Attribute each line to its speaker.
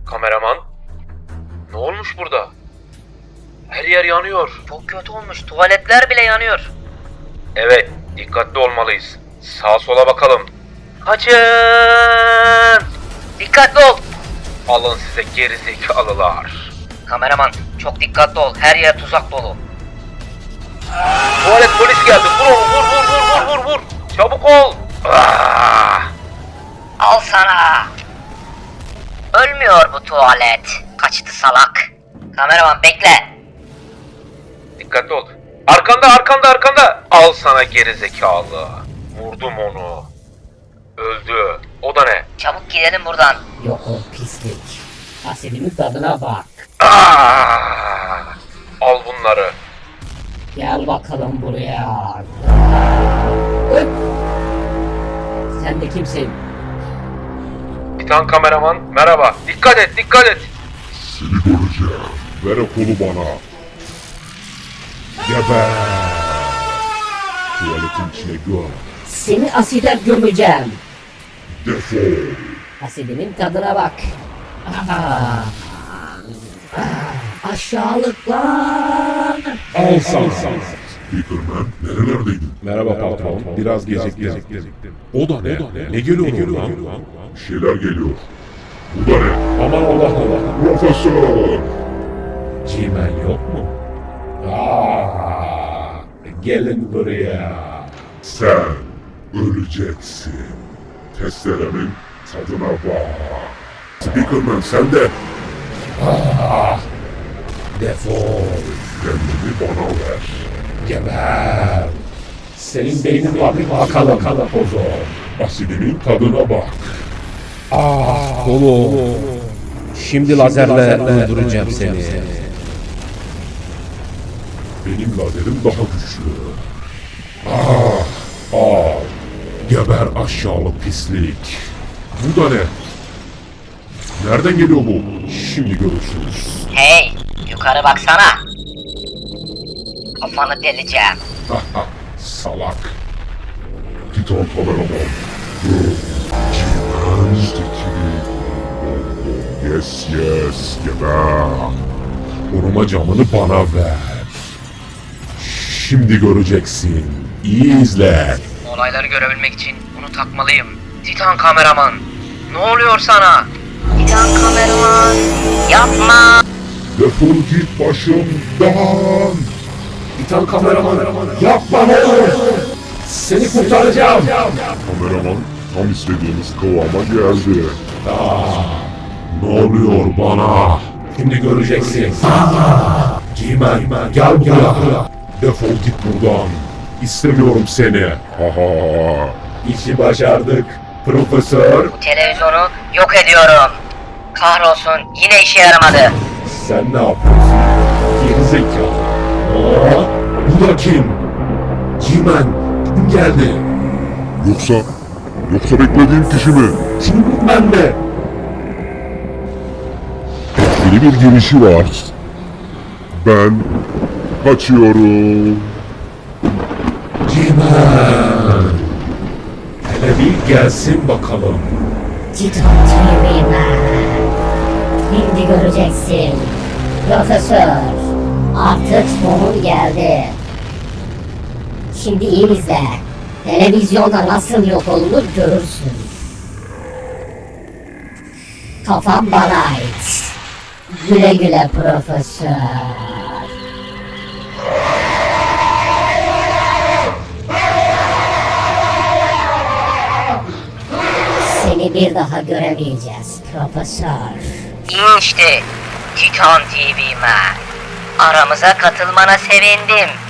Speaker 1: Kameraman, ne olmuş burada? Her yer yanıyor.
Speaker 2: Çok kötü olmuş. Tuvaletler bile yanıyor.
Speaker 1: Evet, dikkatli olmalıyız. Sağa sola bakalım.
Speaker 2: Kaçın! Dikkatli ol.
Speaker 1: Alın size gerizekalılar.
Speaker 2: Kameraman çok dikkatli ol. Her yer tuzak dolu.
Speaker 1: Tuvalet polis geldi. Vur onu, vur. Çabuk ol.
Speaker 2: Al sana. Ölmüyor bu tuvalet. Kaçtı salak. Kameraman bekle.
Speaker 1: Dikkatli ol. Arkanda. Al sana gerizekalı. Vurdum onu. Öldü. O da ne?
Speaker 2: Çabuk gidelim buradan.
Speaker 3: Yok o pislik. Asidimin tadına bak.
Speaker 1: Al bunları.
Speaker 3: Gel bakalım buraya. Öp. Sen de kimsin?
Speaker 1: Titan kameraman, merhaba. Dikkat et.
Speaker 4: Seni göreceğim. Ver o kolu bana. Geber. Tuvaletin içine göm.
Speaker 3: Seni aside gömeceğim.
Speaker 4: Defol.
Speaker 3: Asidimin tadına bak. Aşağılıklar.
Speaker 4: Al sana. Speakerman nerelerdeydin? Merhaba patron. Biraz geciktim. O da ne? Ne geliyor lan? Bir şeyler geliyor. Bu da ne? Aman Allah. Profesör.
Speaker 5: Cimen yok mu? Gelin buraya.
Speaker 4: Sen öleceksin. Testeremin tadına bak. Speakerman sen de
Speaker 5: Defol.
Speaker 4: kendini bana ver.
Speaker 5: Geber. Senin beynin var bakalım pozo.
Speaker 4: Asidimin tadına bak.
Speaker 5: Kolu. Şimdi lazerle öldüreceğim seni.
Speaker 4: Benim lazerim daha güçlü. Geber aşağılık pislik. Bu da ne? Nereden geliyor bu? Şimdi görürsünüz.
Speaker 2: Hey yukarı baksana. Kafanı deleceğim.
Speaker 4: Salak. Titan kameraman. Yes, geber. Koruma camını bana ver. Şimdi göreceksin. İyi izle.
Speaker 2: Olayları görebilmek için bunu takmalıyım. Titan kameraman. Ne oluyor sana? Titan kameraman. Yapma.
Speaker 4: Defol git başımdan.
Speaker 5: Titan kameraman. Yapma ne olur. Seni kurtaracağım.
Speaker 4: Kameraman tam istediğimiz kıvama geldi. Ne oluyor bana?
Speaker 5: Şimdi göreceksin. Cimen gel buraya.
Speaker 4: Defol git buradan. İstemiyorum seni.
Speaker 5: İşi başardık. Profesör.
Speaker 2: Bu televizyonu yok ediyorum. Kahrolsun yine işe yaramadı.
Speaker 5: Sen ne yapıyorsun? Gerizekalı. Bu da kim? Cimen kim geldi?
Speaker 4: Yoksa beklediğim kişi mi?
Speaker 5: Kim ben de?
Speaker 4: Etkili bir girişi var. Ben kaçıyorum.
Speaker 5: Cimen. Hele bir gelsin bakalım.
Speaker 3: Titan TV'men. Şimdi göreceksin. Profesör. Artık sonun geldi. Şimdi iyi izle. Televizyonda nasıl yok olunur görürsün. Kafam bana ait. Güle güle profesör. Seni bir daha göremeyeceğiz profesör.
Speaker 2: İyi işte Titan TV Man. Aramıza katılmana sevindim.